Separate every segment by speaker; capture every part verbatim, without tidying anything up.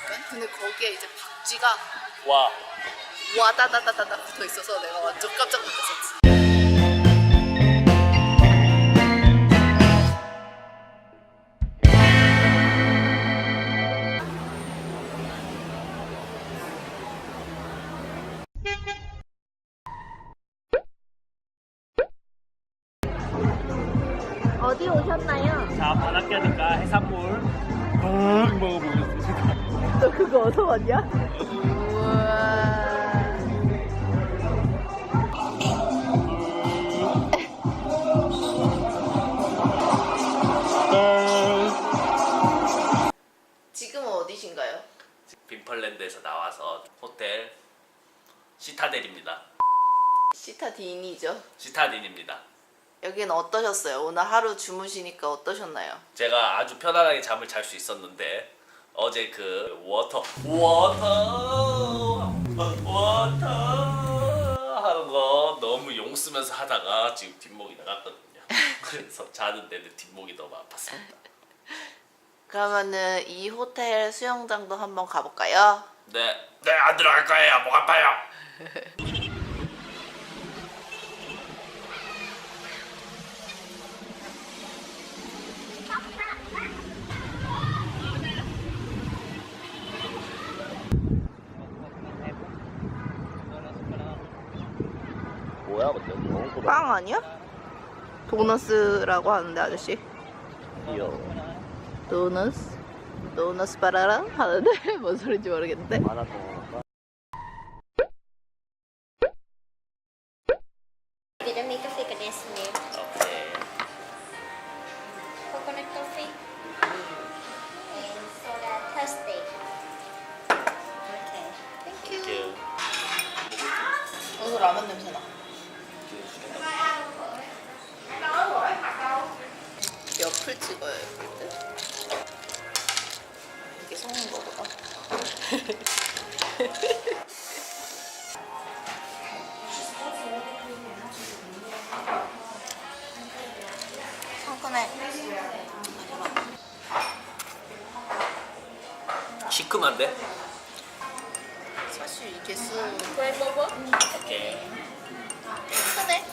Speaker 1: 약간. 근데 거기에 이제 박쥐가
Speaker 2: 와.
Speaker 1: 와다다다다다 붙어 있어서 내가 완전 깜짝 놀랐었지.
Speaker 3: 어디 오셨나요?
Speaker 2: 자, 바닷가니까 해산물 응 먹어보겠습니다.
Speaker 3: 너 그거 어디서 봤냐?
Speaker 1: 우와. 지금은 어디신가요?
Speaker 2: 빈펄랜드에서 나와서 호텔 시타델입니다.
Speaker 1: 시타딘이죠.
Speaker 2: 시타딘입니다.
Speaker 1: 여기는 어떠셨어요? 오늘 하루 주무시니까 어떠셨나요?
Speaker 2: 제가 아주 편안하게 잠을 잘 수 있었는데 어제 그 워터 워터 워터 하는 거 너무 용 쓰면서 하다가 지금 뒷목이 나갔거든요. 그래서 자는데도 뒷목이 너무 아팠습니다.
Speaker 1: 그러면은 이 호텔 수영장도 한번 가볼까요?
Speaker 2: 네, 네 안 들어갈 거예요. 목 아파요. 뭐야, 근데 너무
Speaker 1: 빵 아니야? 도너스라고 하는데 아저씨.
Speaker 2: 귀여워.
Speaker 1: 도너스? 도너스 바라라? 하는데 뭔 소린지 모르겠는데.
Speaker 2: 하나 더.
Speaker 3: Vietnamese coffee condensed milk.
Speaker 2: 오케이.
Speaker 3: Coconut coffee. And soda thirsty. Okay.
Speaker 1: 땡큐.
Speaker 2: 땡큐.
Speaker 1: 여기서 라면 냄새 나. 옆을 찍어야 될 듯. 이게 섞는 거보다. 상큼해.
Speaker 2: 시큼한데?
Speaker 1: 사실 이게 쓰
Speaker 2: 오케이.
Speaker 1: 크네.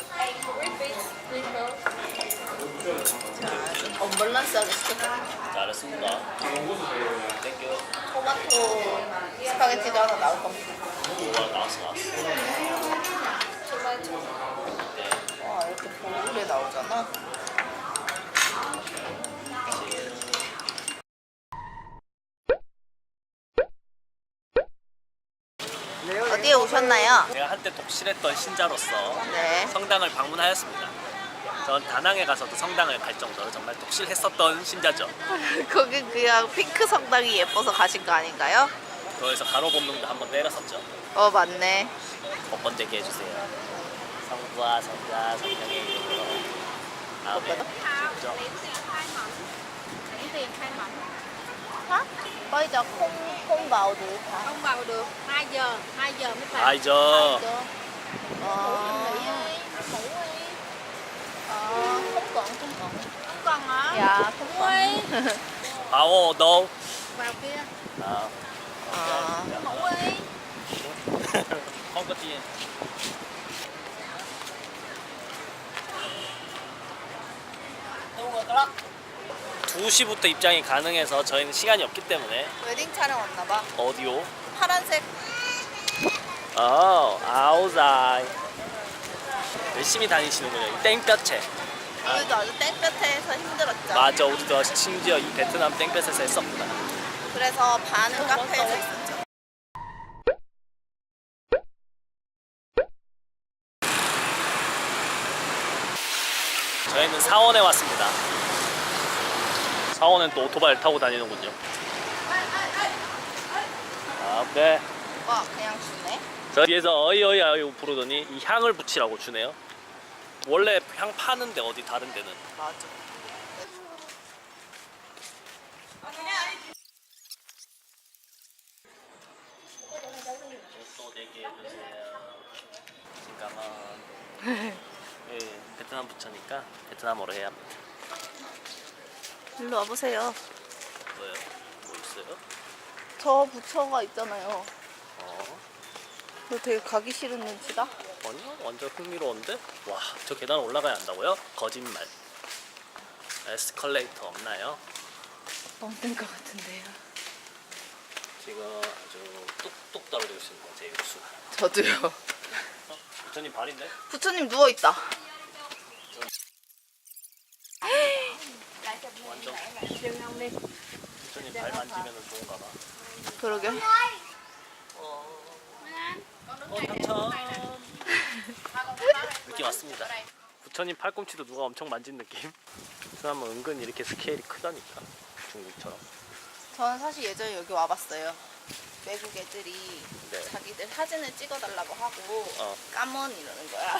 Speaker 1: 자, 좀 언밸런스하게 시켰다.
Speaker 2: 잘했습니다. 땡큐.
Speaker 1: 토마토 스파게티도 하나 나올 겁니다.
Speaker 2: 우와, 나왔어, 나왔어.
Speaker 1: 와, 이렇게 보글에 나오잖아. 어디에 오셨나요?
Speaker 2: 제가 한때 독실했던 신자로서
Speaker 1: 네.
Speaker 2: 성당을 방문하였습니다. 전 다낭에 가서도 성당을 갈 정도로 정말 독실했었던 신자죠.
Speaker 1: 거기 그냥 핑크 성당이 예뻐서 가신 거 아닌가요?
Speaker 2: 거기서 가로범능도 한번 때렸었죠.
Speaker 1: 어, 맞네.
Speaker 2: 번번제기 해주세요. 성부와 성자 성령의 이름으로. 아멘. 진짜.
Speaker 3: Chuyển tiền hai mảnh.
Speaker 1: Hả? Bây giờ không không vào được hả?
Speaker 3: Không vào được. hai giờ, hai giờ mới vào.
Speaker 2: 아이죠.
Speaker 1: Ờ,
Speaker 3: Ngủ đi.
Speaker 1: ờ, không cần, không cần.
Speaker 3: Không cần hả?
Speaker 1: Dạ, không
Speaker 3: Ngủ
Speaker 1: cần.
Speaker 3: đi.
Speaker 2: 아오 너.
Speaker 3: Vào kia.
Speaker 2: 아.
Speaker 1: Ờ,
Speaker 3: Ngủ đi.
Speaker 2: không có tiền. 두 시부터 입장이 가능해서 저희는 시간이 없기 때문에
Speaker 1: 웨딩 촬영 왔나 봐.
Speaker 2: 어디요?
Speaker 1: 파란색.
Speaker 2: 어, 아우자이. 열심히 다니시는군요. 이 땡볕에.
Speaker 1: 우리도 아주 땡볕에서 힘들었죠.
Speaker 2: 맞아, 우리도 심지어 이 베트남 땡볕에서 했었구나.
Speaker 1: 그래서 반은 카페에서 있었죠.
Speaker 2: 저희는 사원에 왔습니다. 사원은 또 오토바이를 타고 다니는군요. 아, 네.
Speaker 1: 와, 그냥 주네.
Speaker 2: 저 뒤에서 어이 어이 어이 부르더니 이 향을 붙이라고 주네요. 원래 향 파는데 어디 다른 데는.
Speaker 1: 맞아.
Speaker 2: 또 내게 해주세요. 잠깐만. 예, 베트남 부처니까 베트남어로 해야 합니다.
Speaker 1: 일로 와보세요.
Speaker 2: 뭐요? 뭐 있어요?
Speaker 1: 저 부처가 있잖아요.
Speaker 2: 어?
Speaker 1: 너 되게 가기 싫은 눈치다.
Speaker 2: 아니요, 완전 흥미로운데? 와, 저 계단 올라가야 한다고요? 거짓말. 에스컬레이터 없나요?
Speaker 1: 없는 것 같은데요.
Speaker 2: 지금 아주 뚝뚝 떨어지고 있습니다, 제 육수.
Speaker 1: 저도요.
Speaker 2: 부처님 발인데?
Speaker 1: 부처님 누워 있다.
Speaker 2: 완전. 부처님 발 만지면 좋은가 봐.
Speaker 1: 그러게.
Speaker 2: 어, 당첨. 느낌 왔습니다. 부처님 팔꿈치도 누가 엄청 만진 느낌? 베트남은 은근 이렇게 스케일이 크다니까, 중국처럼.
Speaker 1: 저는 사실 예전에 여기 와봤어요. 외국 애들이
Speaker 2: 네.
Speaker 1: 자기들 사진을 찍어달라고 하고
Speaker 2: 어.
Speaker 1: 까먼 이러는 거야.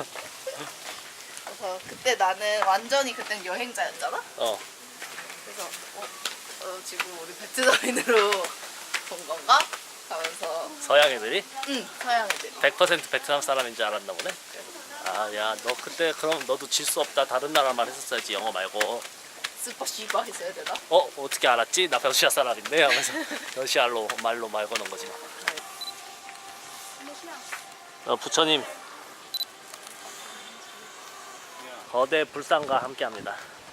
Speaker 1: 그래서 그때 나는 완전히 그땐 여행자였잖아.
Speaker 2: 어.
Speaker 1: 그래서 어, 어, 지금 우리 베트남인으로 본 건가? 하면서
Speaker 2: 서양 애들이
Speaker 1: 응 서양 애들이.
Speaker 2: 백 퍼센트 베트남 사람인 줄 알았나 보네. 아, 야, 너 그때 그럼 너도 질 수 없다. 다른 나라 말 했었어야지, 영어 말고.
Speaker 1: 스파 씨바 했어야 되나?
Speaker 2: 어, 어떻게 알았지? 나 러시아 사람인데 하면서 러시아로 말로 말 거는 거지. 어, 부처님 거대 불상과 함께합니다.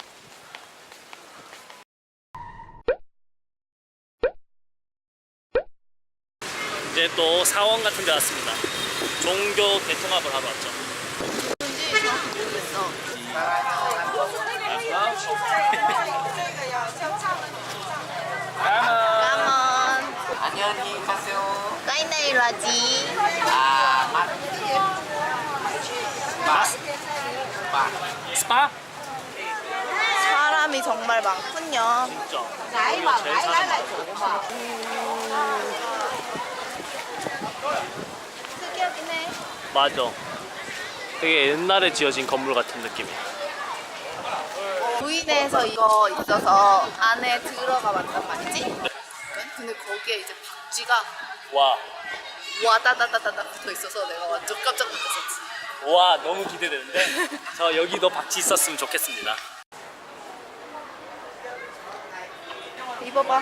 Speaker 2: 이제 또 사원 같은 데 왔습니다. 종교 대통합을 하러 왔죠.
Speaker 1: 뭔지 정확히 모르겠어. 까먼.
Speaker 4: 안녕히 가세요.
Speaker 1: 까이나이 라지.
Speaker 4: 아, 맛. 맛. 맛.
Speaker 2: 스파?
Speaker 1: 사람이 정말 많군요.
Speaker 2: 진짜.
Speaker 3: Nãy
Speaker 2: 이거
Speaker 3: mà
Speaker 2: 제일
Speaker 3: nãy
Speaker 2: 사람
Speaker 3: lấy lại
Speaker 2: 많아.
Speaker 3: phụ mà.
Speaker 1: 특이하긴 해.
Speaker 2: 맞아. 되게 옛날에 지어진 건물 같은 느낌이야.
Speaker 1: 부인에서 이거 있어서 안에 들어가 봤단 말이지? 근데 거기에 이제 박쥐가
Speaker 2: 와,
Speaker 1: 와다다다다다 붙어 있어서 내가 완전 깜짝 놀랐었지.
Speaker 2: 와, 너무 기대되는데. 저 여기도 박쥐 있었으면 좋겠습니다.
Speaker 1: 입어봐.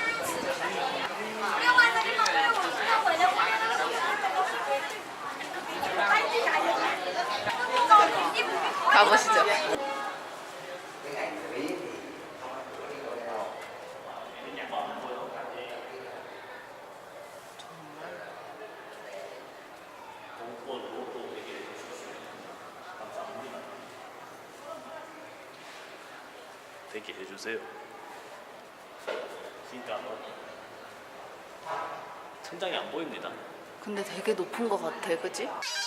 Speaker 1: 가보시죠.
Speaker 2: 되게 해주세요. 진짜 천장이 안 보입니다.
Speaker 1: 근데 되게 높은 것 같아, 그치?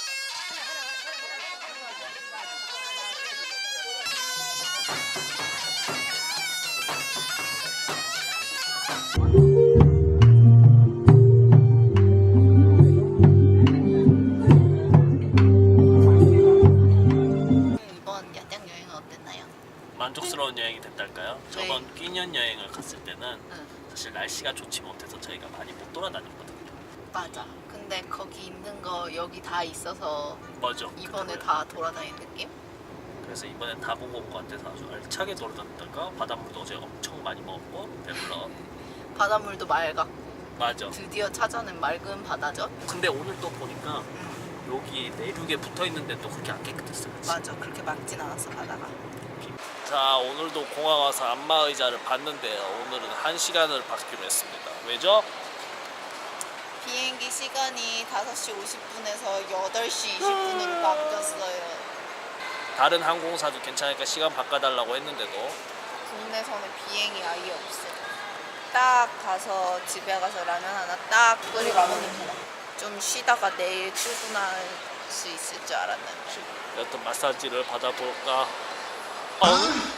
Speaker 1: 이번 야장 여행은 어땠나요?
Speaker 2: 만족스러운 여행이 됐달까요? 저번 끼년 여행을 갔을 때는
Speaker 1: 응,
Speaker 2: 사실 날씨가 좋지 못해서 저희가 많이 못 돌아다녔거든요.
Speaker 1: 맞아. 근데 거기 있는 거 여기 다 있어서
Speaker 2: 맞아.
Speaker 1: 이번에
Speaker 2: 그거요.
Speaker 1: 다 돌아다닌 느낌?
Speaker 2: 그래서 이번엔 다 보고 온 것 같아서 아주 알차게 돌아다녔다가 바닷물도 어제 엄청 많이 먹었고 배불러.
Speaker 1: 바닷물도 맑아.
Speaker 2: 맞아.
Speaker 1: 드디어 찾아낸 맑은 바다죠?
Speaker 2: 근데 오늘 또 보니까 여기 내륙에 붙어 있는데 또 그렇게 안 깨끗했어요. 그치?
Speaker 1: 맞아. 그렇게 맑진 않았어, 바다가.
Speaker 2: 자, 오늘도 공항 와서 안마의자를 봤는데요. 오늘은 한 시간을 받기로 했습니다. 왜죠?
Speaker 1: 비행기 시간이 다섯 시 오십 분에서 여덟 시 이십 분으로 바뀌었어요.
Speaker 2: 다른 항공사도 괜찮으니까 시간 바꿔달라고 했는데도
Speaker 1: 국내선에 비행이 아예 없어. 딱 가서 집에 가서 라면 하나 딱 끓이고 좀 쉬다가 내일 출근할 수 있을 줄 알았는데.
Speaker 2: 여튼 마사지를 받아볼까? 어?